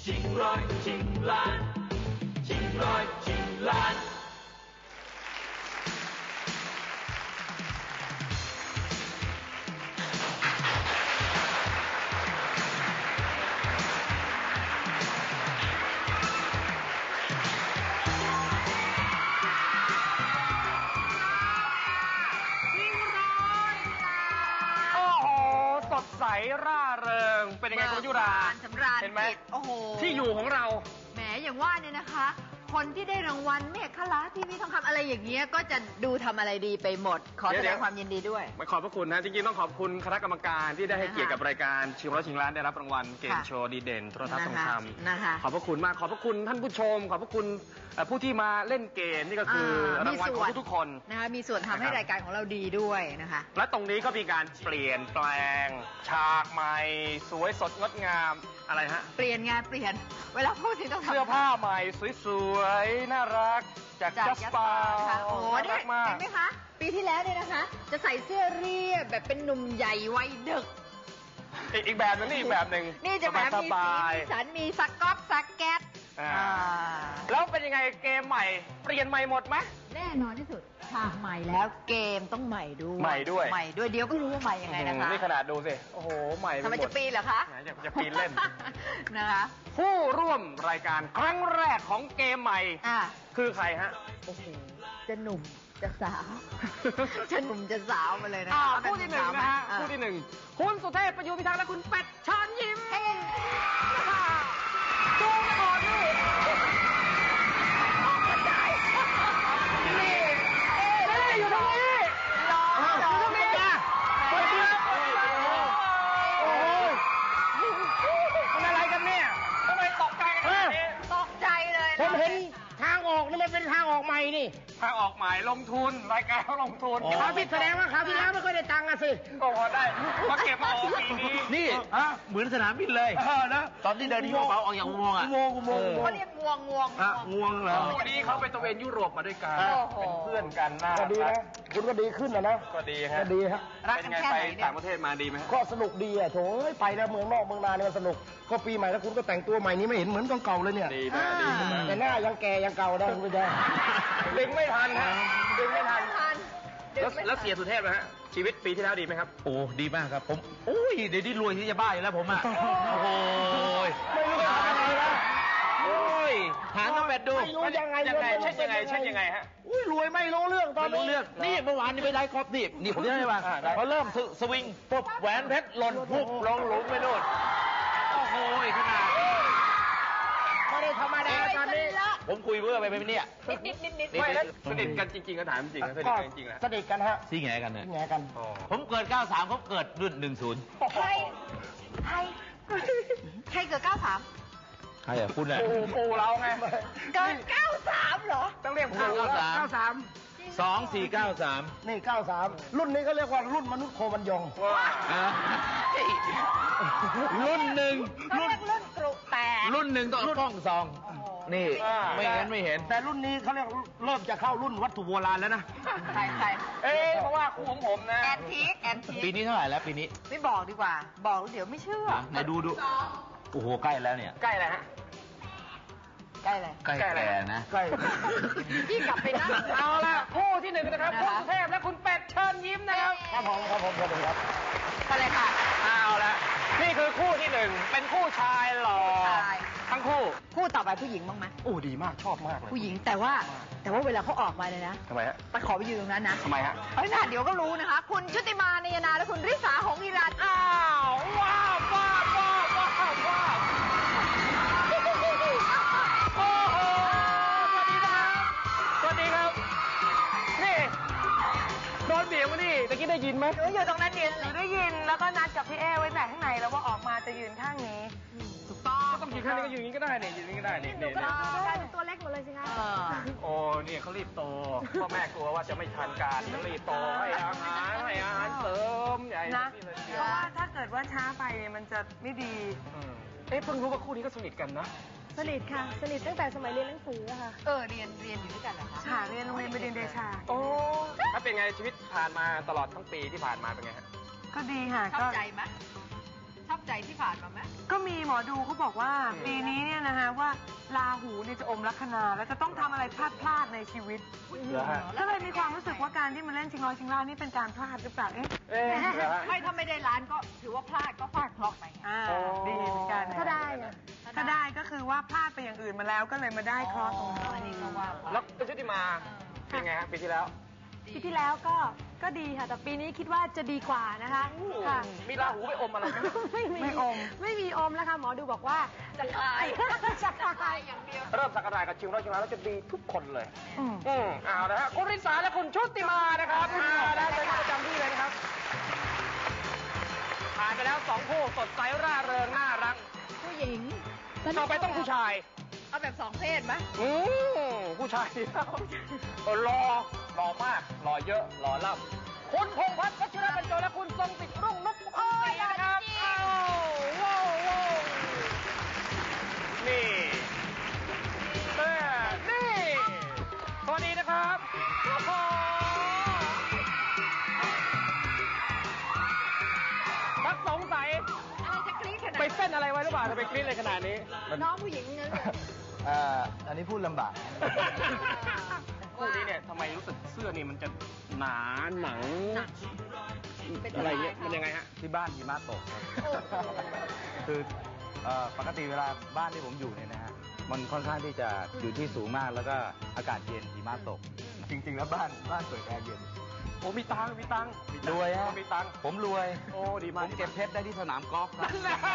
ชิงร้อยชิงล้านชิงร้อยชิงล้านใสร่าเริงเป็นยังไงคุณยุราสำราญเห็นไหมโอ้โหที่อยู่ของเราแหมอย่างว่าเนี่ยนะคะ คนที่ได้รางวัลเมฆคลาทีวีทองคำอะไรอย่างเงี้ยก็จะดูทำอะไรดีไปหมดขอแสดงความยินดีด้วยขอบพระคุณนะจริงๆต้องขอบคุณคณะกรรมการที่ได้ให้เกียรติกับรายการชิงร้อยชิงล้านได้รับรางวัลเกมโชว์ดีเด่นโทรทัศน์ทองคำขอบพระคุณมากขอบพระคุณท่านผู้ชมขอบพระคุณผู้ที่มาเล่นเกมนี่ก็คือรางวัลของทุกๆคนนะคะมีส่วนทำให้รายการของเราดีด้วยนะคะและตรงนี้ก็มีการเปลี่ยนแปลงฉากใหม่สวยสดงดงามอะไรฮะเปลี่ยนงานเปลี่ยนเวลาพูดถึงต้องเสื้อผ้าใหม่สวยๆน่ารักจากจัสปาโอ้น่ารักมากเห็นไหมคะปีที่แล้วเนี่ยนะคะจะใส่เสื้อเรียบแบบเป็นหนุ่มใหญ่วัยดึกอีกแบบนึงนี่อีกแบบหนึ่งนี่จะแบบมีสีมีสันมีสก๊อตสแก็ตแล้วเป็นยังไงเกมใหม่เปลี่ยนใหม่หมดไหมแน่นอนที่สุดฉากใหม่แล้วเกมต้องใหม่ด้วยใหม่ด้วยเดี๋ยวก็รู้ว่าใหม่ยังไงนะคะนี่ขนาดดูสิโอ้โหใหม่ทำไมจะปีนเหรอคะจะปีนเล่นนะคะผู้ร่วมรายการครั้งแรกของเกมใหม่คือใครฮะโอ้โหจะหนุ่มจะสาวจะหนุ่มจะสาวมาเลยนะคู่ที่หนึ่งนะฮะคู่ที่หนึ่งคุณสุเทพประยูรพิทักษ์และคุณเป็ดเชิญยิ้มดูก่อนดูอยู่ตรงนี้รออยู่ตรงนี้จ้ะโอ้ยมันอะไรกันเนี่ยทำไมตกใจกันแบบนี้ตกใจเลยผมเห็นทางออกนี่มันเป็นทางออกใหม่นี่ทางออกใหม่ลงทุนรายการเขาลงทุนเขาที่แสดงว่าเขาที่แล้วไม่ค่อยได้ตังค์อะสิก็พอได้มาเก็บมาออกปีนี้นี่เหมือนสนามบินเลยนะตอนที่เดินที่กระเป๋าออกอย่างงวงอ่ะงวงเขาเรียกงวงเหรอวันนี้เขาไปตะเวนยุโรปมาด้วยกันเป็นเพื่อนกันน่าก็ดีนะคุณก็ดีขึ้นนะก็ดีฮะก็ดีฮะเป็นไงไปต่างประเทศมาดีไหมก็สนุกดีอ่ะโถไปแล้วเมืองนอกเมืองนาเนี่ยมันสนุกก็ปีใหม่แล้วคุณก็แต่งตัวใหม่นี้ไม่เห็นเหมือนเก่าเลยเนี่ยดีนะดีแต่หน้ายังแก่ยังเก่าได้คุณผู้ชมดึงไม่ทันฮะดึงไม่ทันแล้วเสียสุเทพนะฮะชีวิตปีที่แล้วดีไหมครับโอ้ดีมากครับผมโอ้ยเดี๋ยวนี้รวยที่จะบ้าอยู่แล้วผมอ่ะโอ้ยไม่รู้จะทำอะไรนะโอ้ยหาน้องแบดดูไม่รู้ยังไงเช่นยังไงฮะอุ้ยรวยไม่รู้เรื่องตอนนี้เรื่องนี่เมื่อวานนี้ไปได้ครบนี่ผมได้ป่ะพอเริ่มสวิงปุ๊บแหวนเพชรหล่นปุ๊บลงหลุมไปโน่นโอ้โหขนาดไม่ได้ธรรมดาตอนนี้ผมคุยเบื่อไปเนี่ยนิดไม่แล้วสนิทกันจริงๆก็ถามจริงสนิทกันจริงๆนะสนิทกันฮะซี่แง่กันเนี่ยซี่แง่กันผมเกิด93เขาเกิดรุ่น10 ใครเกิด93 ใครอ่ะคุณอ่ะปูเราไงเกิด93เหรอต้องเรียกปู 93 2493นี่93รุ่นนี้เขาเรียกว่ารุ่นมนุษย์โคมันยงรุ่นหนึ่งรุ่นกรุแตกรุ่นหนึ่งต้องกล้องซองนี่ไม่งั้นไม่เห็นแต่รุ่นนี้เขาเรียกเริ่มจะเข้ารุ่นวัตถุโบราณแล้วนะใครเพราะว่าคู่ของผมนะแอนทิคปีนี้เท่าไหร่แล้วปีนี้ไม่บอกดีกว่าบอกเดี๋ยวไม่เชื่อไหนดูโอ้โหใกล้แล้วเนี่ยใกล้แล้วฮะใกล้อะไรใกล้แก่นะใกล้พี่กลับไปนั่งเอาละคู่ที่หนึ่งนะครับคุณสุเทพและคุณเป็ดเชิญยิ้มนะครับครับผมครับไปเลยค่ะเอาละนี่คือคู่ที่หนึ่งเป็นคู่ชายหล่อทั้งคู่ต่อไปผู้หญิงบ้างไหมโอ้ดีมากชอบมากเลยผู้หญิงแต่ว่าเวลาเขาออกมาเลยนะทำไมฮะไปขอไปยืนตรงนั้นนะทำไมฮะเดี๋ยวก็รู้นะคะคุณชุติมานียนาและคุณริษาหงส์อิรัญอ้าวว้าวโอ้โหสวัสดีครับนี่โดนเบียงมานี่ตะกี้ได้ยินไหมหนูอยู่ตรงนั้นเดียวหนูได้ยินแล้วก็นัดกับพี่เอไว้แต่ข้างในแล้วว่าออกมาจะยืนข้างนี้ถูกต้องก็ต้องยืนข้างนี้ก็ยืนนี้ก็ได้เนี่ยยืนนี้ก็ได้เนี่ยหนูก็ได้เป็นตัวเล็กหมดเลยสิคะโอ้เนี่ยเขารีบโตพ่อแม่กลัวว่าจะไม่ทันการจะรีบโตให้อาหารเสริมใหญ่นะเพราะว่าถ้าเกิดว่าช้าไปมันจะไม่ดีเพิ่งรู้ว่าคู่นี้ก็สนิทกันนะสนิทค่ะสนิทตั้งแต่สมัยเรียนหนังสือค่ะเรียนอยู่ด้วยกันเหรอคะค่ะเรียนโรงเรียนบดินทร์เดชาโอ้ถ้าเป็นไงชีวิตผ่านมาตลอดทั้งปีที่ผ่านมาเป็นไงฮะก็ดีค่ะชอบใจไหมชทับใจที่ผ่านมาไหมก็มีหมอดูเขาบอกว่าปีนี้เนี่ยนะฮะว่าราหูเนี่ยจะอมลัคนาแล้วจะต้องทำอะไรพลาดในชีวิตก็เลยมีความรู้สึกว่าการที่มาเล่นชิงร้อยชิงล้านนี่เป็นการพลาดหรือเปล่าไม่ถ้าไม่ได้ล้านก็ถือว่าพลาดก็ฟาดเคราะห์ไปดีเหมือนกันถ้าได้ก็คือว่าพลาดไปอย่างอื่นมาแล้วก็เลยมาได้เคราะห์ตรงนี้ก็ว่าแล้วชุติมาเป็นไงฮะปีที่แล้วก็ดีค่ะแต่ปีนี้คิดว่าจะดีกว่านะคะค่ะมีราหูไปอมอะไรไหมไม่มีอมแล้วค่ะหมอดูบอกว่าจะคลายอย่างเดียวเริ่มสักการะกับชิงร้อยชิงล้านแล้วจะดีทุกคนเลยเอาละฮะคุณริษาและคุณชุติมานะครับมาแล้วเป็นประจำที่เลยนะครับผ่านไปแล้ว2 คู่สดใสร่าเริงน่ารักผู้หญิงต่อไปต้องผู้ชายเอาแบบ2 เพศไหมผู้ชายหล่อมากหล่อเยอะหล่อล่ำคุณพงษ์พัฒน์พัชรบรรจงและคุณทรงศิษย์รุ่งนพนะครับว้าวนี่สวัสดีนะครับพักสงสัยอะไรจะกรี๊ดขนาดไปเส้นอะไรไว้หรือเปล่าทำไมกรี๊ดเลยขนาดนี้น้องผู้หญิงงั้นอันนี้พูดลำบากคู่นี้เนี่ยทำไมรู้สึกเสื้อนี่มันจะหนาหนังอะไรเงี้ยมันยังไงฮะที่บ้านหิมะตกคือปกติเวลาบ้านที่ผมอยู่เนี่ยนะฮะมันค่อนข้างที่จะอยู่ที่สูงมากแล้วก็อากาศเย็นหิมะตกจริงๆแล้วบ้านเปิดแอร์เย็นโอ้มีตังรวยฮะมีตังผมรวยโอ้ดีมากผมเก็บเพชรได้ที่สนามกอล์ฟครับ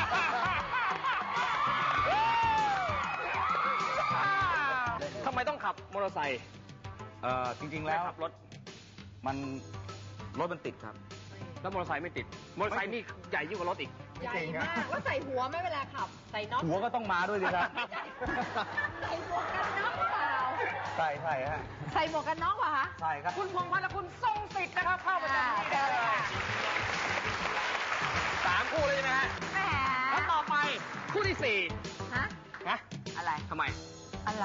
ทำไมต้องขับมอเตอร์ไซค์จริงๆแล้วขับรถมันติดครับแล้วมอเตอร์ไซค์ไม่ติดมอเตอร์ไซค์นี่ใหญ่ยิ่งกว่ารถอีกใหญ่มากแล้วใส่หัวไหมเวลาขับใส่น็อตหัวก็ต้องมาด้วยดิครับใส่หมวกกันน็อกเปล่าใช่ฮะใส่หมวกกันน็อกเหรอคะใช่ครับคุณพงษ์พัฒน์และคุณทรงศิษย์นะครับเข้าประจำที่เลย3 คู่เลยใช่ไหมฮะแล้วต่อไปคู่ที่4ฮะอะไรทำไมอะไร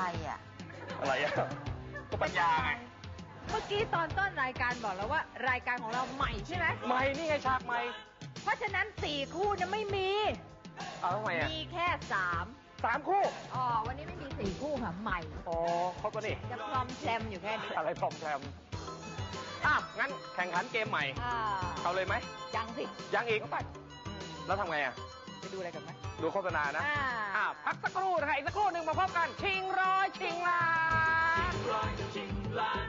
ก็ปัญญาไงเมื่อกี้ตอนต้นรายการบอกแล้วว่ารายการของเราใหม่ใช่ไหมใหม่นี่ไงฉากใหม่เพราะฉะนั้น4 คู่จะไม่มีทำไมมีแค่3 คู่วันนี้ไม่มี4 คู่ค่ะใหม่ครบแล้วนี่จะพรอมแชมอยู่แค่นี้อะไรพรอมแชมงั้นแข่งขันเกมใหม่เอาเลยไหมยังสิยังอีกก็ไปแล้วทำไงไปดูอะไรกันไหมดูโฆษณานะพักสักครู่นะคะอีกสักครู่หนึ่งมาพบกันชิงร้อยชิงล้าน